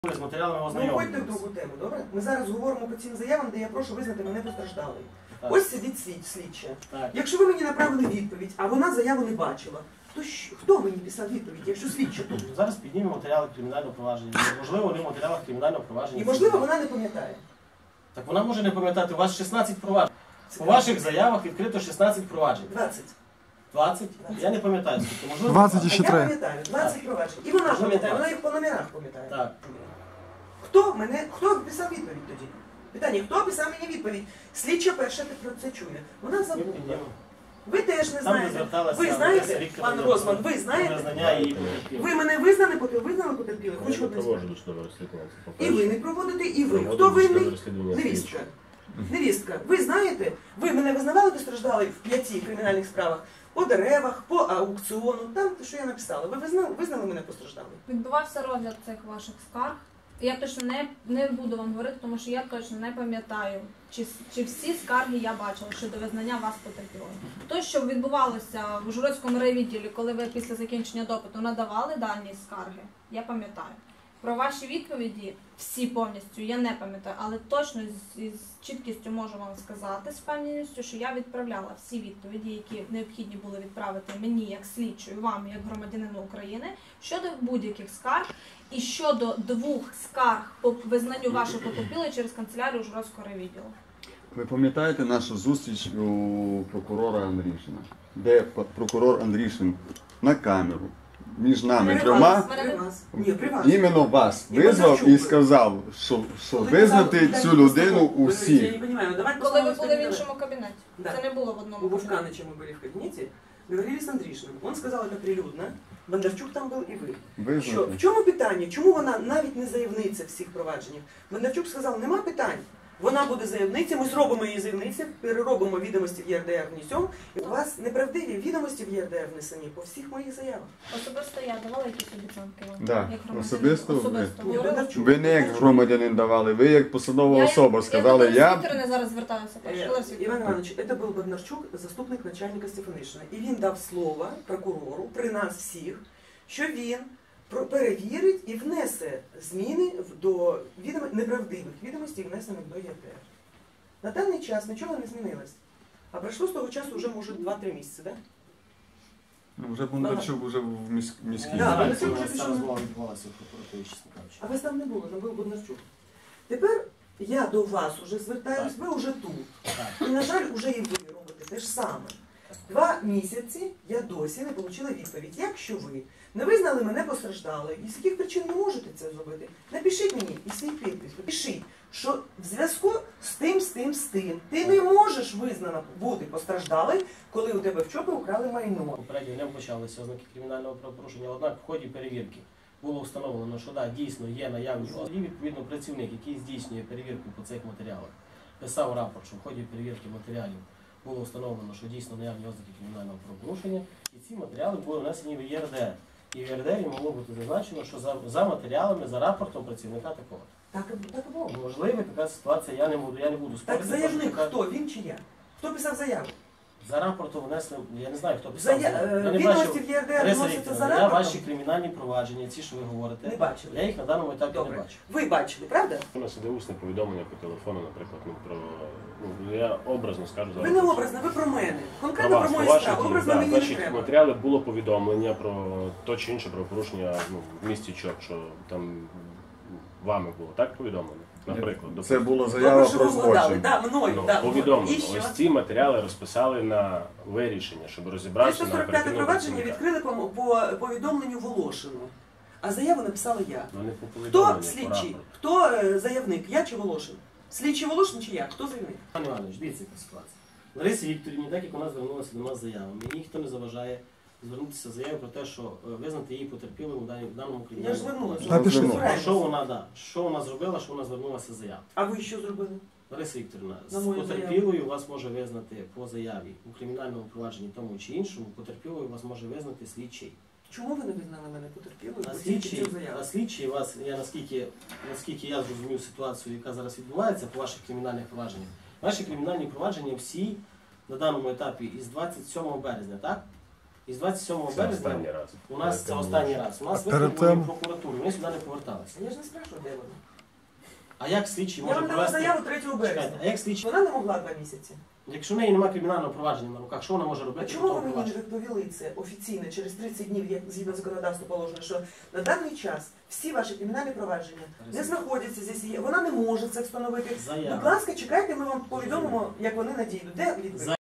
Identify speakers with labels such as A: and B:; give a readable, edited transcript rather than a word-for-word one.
A: З матеріалами
B: Ну,
A: ознайомлюватися.
B: ходьте в другу тему, добре? Ми зараз говоримо по цим заявам, де я прошу визнати мене постраждалою. Ось сидить слідча. Якщо ви мені направили відповідь, а вона заяву не бачила, то хто мені писав відповідь, якщо слідча тут?
A: Зараз піднімемо матеріали кримінального провадження. Можливо, вони в матеріалах кримінального провадження.
B: І можливо, вона не пам'ятає.
A: Так вона може не пам'ятати, у вас 16 проваджень. По ваших заявах відкрито 16 проваджень.
B: 20.
A: 20? Я не пам'ятаю, скільки. Можливо,
C: 20 і
B: А
C: ще
B: я
C: 3.
B: пам'ятаю, 20 проваджень. І вона пам'ятає, вона їх по номерах пам'ятає.
A: Так.
B: Хто писав відповідь тоді? Питання, хто писав мені відповідь? Слідча перша про це чує. Вона забула. Ви теж не знаєте. Ви знаєте, пан Розман, ви знаєте? Ви мене визнали потерпіли? Хоч ви не знаєте. І ви не проводите, і ви. Хто винний? Невістка. Невістка. Ви знаєте, ви мене визнавали постраждали в 5 кримінальних справах? По деревах, по аукціону, там, що я написала. Ви визнали мене постраждалою?
D: Відбувався розгляд цих ваших скарг. Я точно не буду вам говорити, тому що я точно не пам'ятаю, чи всі скарги я бачила щодо визнання вас потерпілим. То, що відбувалося в Ужгородському райвідділі, коли ви після закінчення допиту надавали дані скарги, я пам'ятаю. Про ваші відповіді всі повністю я не пам'ятаю, але точно з чіткістю можу вам сказати, з впевненістю, що я відправляла всі відповіді, які необхідні були відправити мені як слідчою, вам як громадянину України, щодо будь-яких скарг і щодо 2 скарг по визнанню вашої потерпілої через канцелярію Ужгородського райвідділу.
E: Ви пам'ятаєте нашу зустріч у прокурора Андрішина, де прокурор Андрішин на камеру між нами трьома, іменно вас визвав і сказав, що визнати цю людину усі.
D: Коли ви були в іншому кабінеті. Це не було в одному
B: У Вовканыча мы были в кабинете, говорили с Андрішином. Он сказал это прилюдно. Бондарчук там був і ви. В чому питання? Чому вона навіть не заявниця в всіх провадженнях? Бондарчук сказав, нема питань. Вона буде заявниця, ми зробимо її заявницю, переробимо відомості в ЄРДР, внесемо. І у вас неправдиві відомості в ЄРДР внесені по всіх моїх заявах.
D: Особисто я давала якісь обіцянки вам?
E: Да.
D: Як громадянин?
E: Особисто
D: говорила?
E: ви не як громадянин давали, ви як посадова особа сказали,
D: Я до Вікторини зараз звертаюся.
B: Іван Іванович, це був Бондарчук, заступник начальника Стефанишина. І він дав слово прокурору при нас всіх, що він перевірить і внесе зміни до неправдивих відомостей, внесених до ЄРДР. На даний час нічого не змінилось. А пройшло з того часу вже, може, 2-3 місяці, так?
E: Ну, вже Бондарчук вже в міській.
B: Да,
A: Бондарчук вже пішов. Відбувалося в прокуратурі, чесно кажучи.
B: А вас там не було, там був Бондарчук. Тепер я до вас вже звертаюсь, ви вже тут. І, на жаль, вже і ви робите те ж саме. 2 місяці я досі не отримала відповідь. Якщо ви не визнали мене постраждалою, і з яких причин не можете це зробити, напишіть мені і свій підпис. Пишіть, що в зв'язку з тим, ти не можеш визнана бути постраждалою, коли у тебе в ЧОПі украли майно.
A: Попередньо не почалися ознаки кримінального правопорушення, однак в ході перевірки було встановлено, що да, дійсно є наявні ознаки. І відповідно працівник, який здійснює перевірку по цих матеріалах, писав рапорт, що в ході перевірки матеріалів було встановлено, що дійсно наявні ознаки кримінального правопорушення, і ці матеріали були внесені в ЄРДР. І в ЄРДР могло бути зазначено, що за матеріалами, за рапортом працівника такого.
B: Так і було.
A: Можливо, така ситуація, я не буду спорити.
B: Так заявник хто? Він чи я? Хто писав заяву?
A: За рапортом внесли, я не знаю, хто писав.
B: Відомості в ЄРДР вносяться за
A: Я
B: рапортом?
A: ваші кримінальні провадження, ці, що ви говорите,
B: Не бачили.
A: я їх на даному етапі
B: Добре.
A: не бачу.
B: Ви бачили, правда?
F: У нас іде усне повідомлення по телефону, наприклад, я образно скажу зараз.
B: Ви не образно, ви про мене.
F: Про
B: Конкретно
F: вас,
B: про
F: про
B: мою
F: ваші
B: справу.
F: дії.
B: Образно
F: Да,
B: мені не
F: ваші
B: треба.
F: матеріали було повідомлення про то чи інше правопорушення в місті ЧОП, що там вами було так повідомлено? Наприклад,
E: Це була
B: Добре,
E: заява
B: що
E: про
B: ви вгадали.
E: злочин.
B: Да, мною, да.
F: повідомлено.
B: І що?
F: Ось ці матеріали розписали на вирішення, щоб розібратися на
B: 345
F: оперативному
B: провадження
F: працівника.
B: відкрили по повідомленню Волошину. А заяву написала я.
F: Ну, не по
B: Хто
F: повідомленню, по
B: слідчий?
F: рапорту.
B: Хто заявник? Я чи Волошин? Слідчий Волошин чи я? Хто заявник?
A: Пане Іванович, дивіться, яка ситуація. Ларисі Вікторівні, так як вона звернулася до нас з заявами, і ніхто не заважає звернутися з заявою про те, що визнати її потерпілим у даному
B: Я ж
A: кримінальному
B: звернулася.
A: провадженні. Що вона зробила, що вона звернулася з заявою?
B: А ви що зробили?
A: Лариса Вікторівна,
B: На
A: з
B: мою
A: потерпілою вас може визнати по заяві у кримінальному провадженні тому чи іншому, потерпілою вас може визнати слідчий.
B: Чому ви не визнали мене потерпілою?
A: А слідчий вас, наскільки я зрозумів ситуацію, яка зараз відбувається по ваших кримінальних провадженнях, ваші кримінальні провадження всі на даному етапі із 27 березня, так? І з 27
F: Це
A: березня
F: останній раз.
A: у нас це останній раз. У нас
C: перед
A: викликали
C: тим?
A: прокуратуру, вони сюди не поверталися.
B: Я ж не спрашиваю, де вона.
A: А як слідчий
B: Я
A: може
B: вам дала
A: провести?
B: заяву 3
A: Чекайте,
B: березня.
A: а як слідчий?
B: Вона не могла 2 місяці.
A: Якщо в неї немає кримінального провадження на руках, що вона може
B: А
A: робити?
B: чому
A: по
B: ви
A: тому
B: мені не
A: провадженню?
B: відповіли це офіційно через 30 днів, як згідно законодавства положено, що на даний час всі ваші кримінальні провадження не знаходяться здесь, вона не може це встановити.
A: Заява.
B: Будь ласка, чекайте, ми вам повідомимо, як вони надійдуть. Де відповідь?